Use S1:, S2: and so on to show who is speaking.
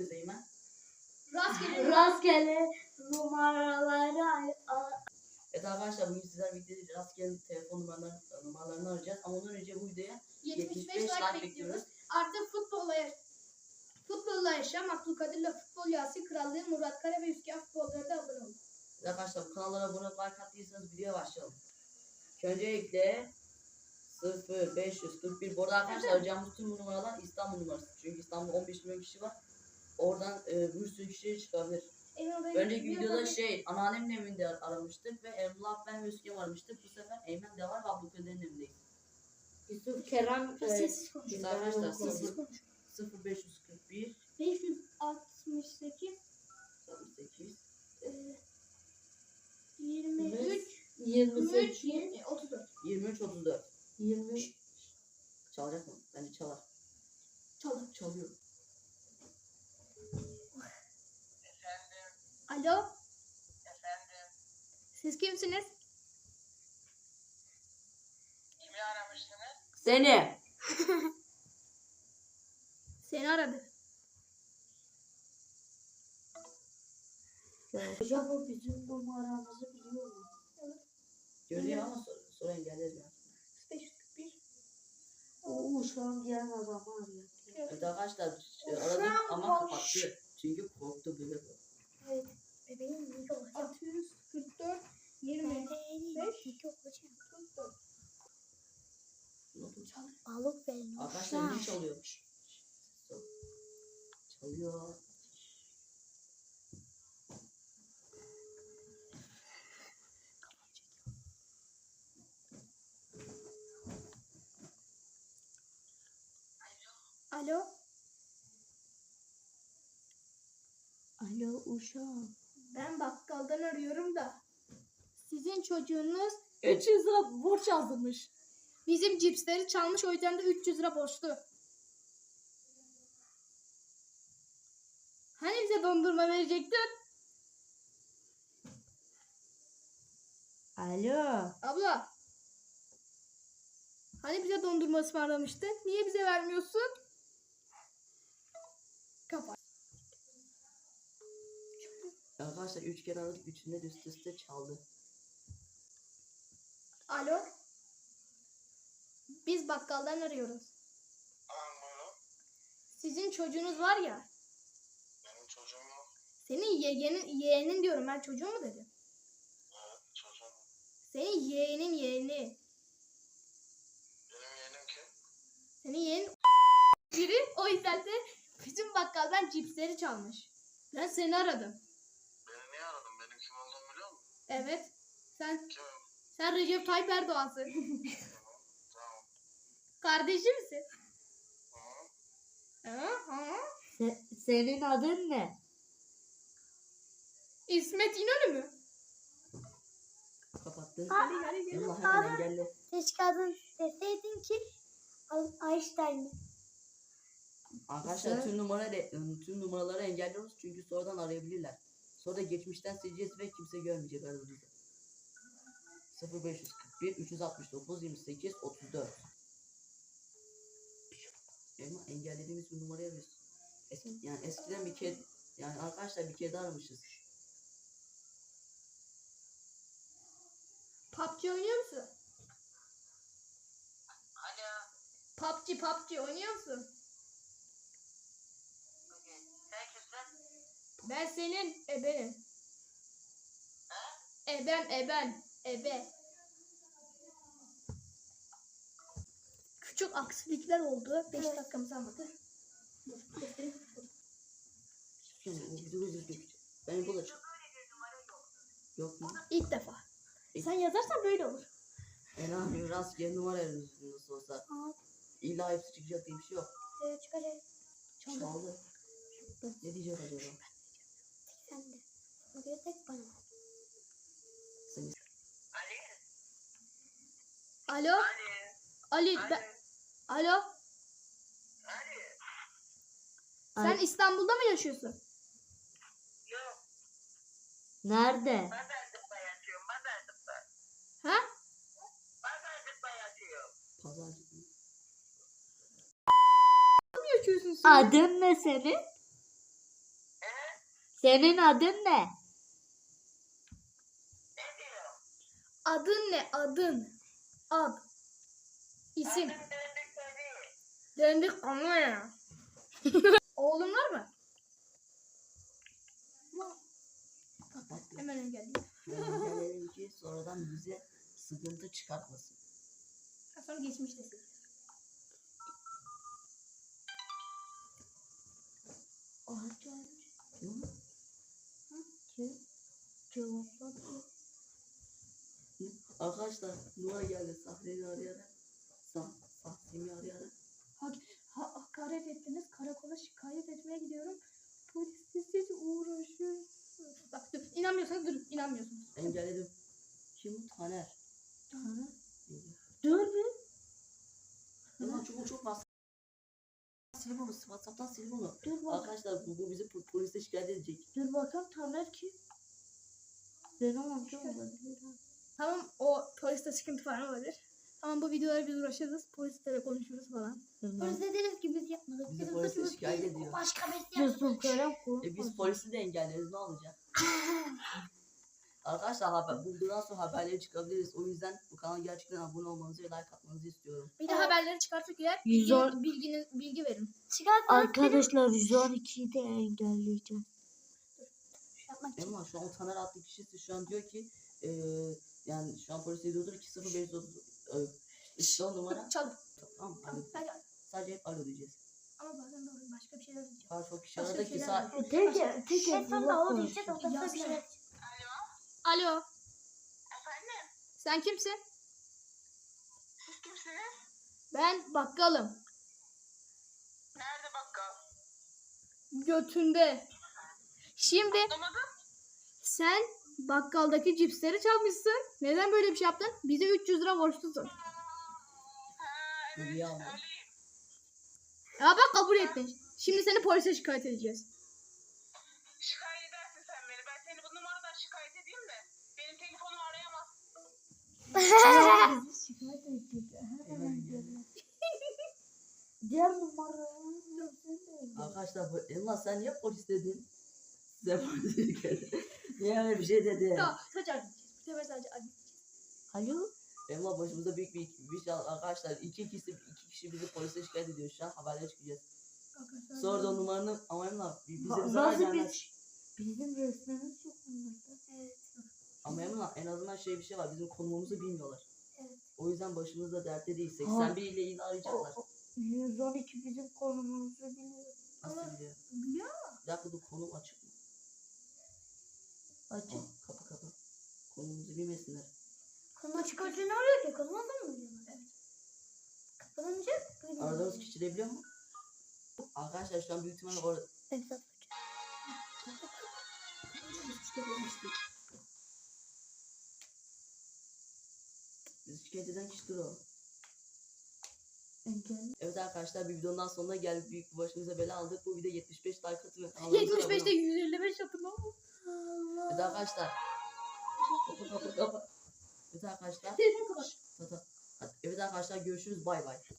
S1: yapıyoruz Eymen?
S2: Rastgele numaraları
S1: Evet arkadaşlar bugün sizler birlikte rastgele telefon numaralarını arayacağız. Ama ondan önce bu videoya 75 like bekliyoruz.
S3: Artık futbolla yaşam, Abdülkadir'le futbol Yasin Krallığı, Murat Kara ve Üsküdar futbolları da abone olun.
S1: Arkadaşlar bu kanallara abone olup like attıysanız videoya başlayalım. Öncelikle 0541. Bu arada arkadaşlar arayacağımız tüm numaralar İstanbul numarası. Çünkü İstanbul'da 15 milyon kişi var. Oradan bir sürü kişi çıkabilir. Önceki videoda anneannemin evinde aramıştık ve Emrullah ben ve Üsküdar aramıştık. Bu sefer Eymen de var ve Abdülkadir'in evindeyiz.
S2: Yusuf Kerem
S3: Sessiz konuş.
S1: Arkadaşlar
S3: Sessiz konuş.
S1: 0541
S3: 568
S1: 68
S3: 23
S2: 28
S3: 34
S1: 23 34.
S2: 23
S1: Çalacak mı? Bence çalar. Çalıyor.
S3: Alo. Efendim. Siz kimsiniz?
S4: Kimi aramıştınız?
S1: Seni.
S3: Seni aradı.
S2: Hocam o bizim numaramızı biliyor mu?
S1: Görüyor ama sonra engelleriz ya.
S3: 541.
S2: O şu an diğer adamı arıyor.
S1: Evet arkadaşlar aradık ama kapattı. Çünkü korktu bebek o.
S3: Evet. Bebeğim ne olacak? 644 25 44.
S2: Balık benim.
S1: Arkadaşlar ne çalıyor? Çalıyor.
S3: Alo.
S2: Alo uşağım.
S3: Ben bakkaldan arıyorum da. Sizin çocuğunuz
S2: 300 lira borç yazdırmış.
S3: bizim cipsleri çalmış, o yüzden de 300 lira borçlu. Hani bize dondurma verecektin?
S2: Alo.
S3: Abla. Hani bize dondurma ısmarlamıştın? Niye bize vermiyorsun? Kapat.
S1: Arkadaşlar 3 kere aradık. 3'ünde de üst üste çaldı.
S3: Alo. Biz bakkaldan arıyoruz.
S4: Buyurun.
S3: Sizin çocuğunuz var ya.
S4: Benim çocuğum yok.
S3: Senin yeğenin diyorum, ben çocuğu mu dedim?
S4: Evet, çocuğum.
S3: Senin yeğeni.
S4: Benim yeğenim kim?
S3: Senin yeğenin biri, o yüzden de bizim bakkaldan cipsleri çalmış. Ben seni aradım.
S4: Beni niye aradın? Benim kim olduğumu biliyor musun?
S3: Evet.
S4: Kimim?
S3: Sen Recep Tayyip Erdoğan'sın.
S4: Tamam.
S3: Kardeşimsin.
S4: Hı.
S3: Hı.
S2: Senin adın ne?
S3: İsmet İnönü mü?
S1: Kapattı.
S3: Hadi gel.
S1: Allah hemen engelli.
S2: Keşke adın deseydin ki Einstein.
S1: Arkadaşlar tüm numaraları engelliyoruz çünkü sonradan arayabilirler. Sonra da geçmişten sileceğiz ve kimse görmeyecek aradığımızı. 0541 369 28 34. Ama engellediğimiz bir numarayı arıyoruz. Yani eskiden bir kez, yani arkadaşlar bir kez aramışız.
S3: PUBG oynuyor musun?
S4: Alo.
S3: PUBG oynuyor musun?
S4: Sen kimsin?
S3: Ben senin ebenim. Ebe. Küçük aksilikler oldu. 5 dakikamız almadı.
S1: Ben bulacağım. Yok mu?
S3: İlk defa. Sen yazarsan böyle olur.
S1: Ne yapayım, rastgele numara arıyoruz nasıl olsa. İlla hepsi çıkacak diye bir şey yok.
S3: Çıkacak.
S1: Çaldı. Ne diyecek acaba?
S3: Sen de. O göre tek bana.
S1: Seni
S3: Alo. Ali. Alo. Sen İstanbul'da mı yaşıyorsun?
S4: Yok.
S2: Nerede?
S4: Pazarcıkta yatıyorum. Pazarcıkta.
S3: Ha?
S4: Pazarcıkta yatıyorum.
S1: pazarcık mı?
S3: Mı yaşıyorsun sen?
S2: Adın ne senin? Senin adın ne?
S4: Ne diyor?
S3: Adın ne? Adın. Ad. İsim.
S4: Adım döndük tabii.
S3: Döndük ama ya. Oğlum var mı? Hemen engelledim.
S1: Engelleyelim ki sonradan bize sıkıntı çıkartmasın.
S3: Sonra geçmiştesin.
S1: Arkadaşlar Nura geldi Sahre'yi arayarak. Sahre'yi arayarak.
S3: Hakaret ettiniz. Karakola şikayet etmeye gidiyorum. Polis siz uğraşıyor. Bak dur. İnanmıyorsanız durun. İnanmıyorsunuz.
S1: Engelledim. Kim bu? Taner.
S2: Dur bir.
S1: Ulan çok fazla. Sil bunu. WhatsApp'tan sil bunu.
S2: Dur bak.
S1: Arkadaşlar bu bizi polise şikayet edecek.
S2: Dur bakalım Taner kim? Benim amcam olabilir.
S3: Tamam o poliste sıkıntı falan olabilir. Tamam bu videoları biz uğraşırız. Polislere konuşuruz falan.
S2: Polis
S3: deriz ki biz yapmadık.
S1: Bizi polise şikayet ediyor.
S3: Başka birisi
S2: Yusuf Kerem
S1: Biz polisi de engelleriz ne olacak? Arkadaşlar bundan sonra haberleri çıkabiliriz. O yüzden bu kanala gerçekten abone olmanızı ve like atmanızı istiyorum.
S3: Bir de haberleri çıkarttık eğer
S2: 110
S3: bilgi verin.
S2: Arkadaşlar 112'yi de engelleyeceğim.
S1: Ama şu an o Taner adlı kişisi şu an diyor ki yani şu an polise diyordur 20530 işte o numara.
S3: Çal.
S1: Tamam.
S3: Tamam. Hadi.
S1: Sadece hep alo diyeceğiz.
S3: Ama bazen de başka bir şeyler diyeceğim.
S1: Daha çok kişi
S3: Başka
S1: aradı
S3: bir
S1: ki
S3: şeyler
S2: Tek
S3: Sonra o diyeceğiz. O da bir şey. Alo.
S4: Efendim?
S3: Sen kimsin?
S4: Siz kimsiniz?
S3: Ben bakkalım.
S4: Nerede bakkal?
S3: Götünde. Şimdi
S4: Anlamadım.
S3: sen bakkaldaki cipsleri çalmışsın. Neden böyle bir şey yaptın? Bize 300 lira borçlusun.
S4: Ha evet.
S1: Hediye aldım.
S4: Söyleyeyim.
S3: Ya bak kabul ettin. Şimdi seni polise şikayet edeceğiz.
S4: Şikayet edersin sen beni. Ben seni bu numaradan şikayet edeyim de. Benim telefonumu arayamazsın.
S2: şikayet edecek. Diğer numara.
S1: Arkadaşlar Elma sen niye polis dedin? Sen polis dedin. Niye öyle bir şey dedin?
S3: Tamam. Sadece arayacağız. Bu sefer sadece arayacağız.
S2: Alo?
S1: Elma başımıza büyük bir şey arkadaşlar. İki kişi bizi polise şikayet ediyor şu an haberlere çıkacağız. Sonra da o numaranı ama Emrah bize bir zarar
S2: Nasıl
S1: gelmez.
S2: bizim resmimiz yok onlarda. Evet.
S1: Ama Emrah en azından bir şey var bizim konumumuzu bilmiyorlar.
S3: Evet.
S1: O yüzden başımızda dertte değil.
S2: Ha.
S1: 81 ile ilgili arayacaklar.
S2: 112 bizim konumumuzu biliyor.
S1: Nasıl biliyor?
S3: Biliyor musun?
S1: Bir dakika dur konum açık mı?
S2: Açık.
S1: Kapı. Konumuzu bilmesinler.
S3: Konu çıkartıyor ne oluyor ki? Konu mu biliyorlar? Evet. Kapanınca
S1: Aradığımız kişi de biliyor mu? Arkadaşlar şu an büyük ihtimalle orada.
S2: Evet.
S1: Bizi şikayet eden kişidir o.
S2: Engel.
S1: Evet arkadaşlar bir videonun sonuna geldik. Büyük bir başımıza bela aldık. Bu video 75 like atın ve kanalımıza abone
S3: 75'te
S1: olun.
S3: 155 atın ama.
S1: Evet arkadaşlar. Kapa. Evet arkadaşlar.
S3: Telefonu kapat.
S1: Evet arkadaşlar görüşürüz bay bay.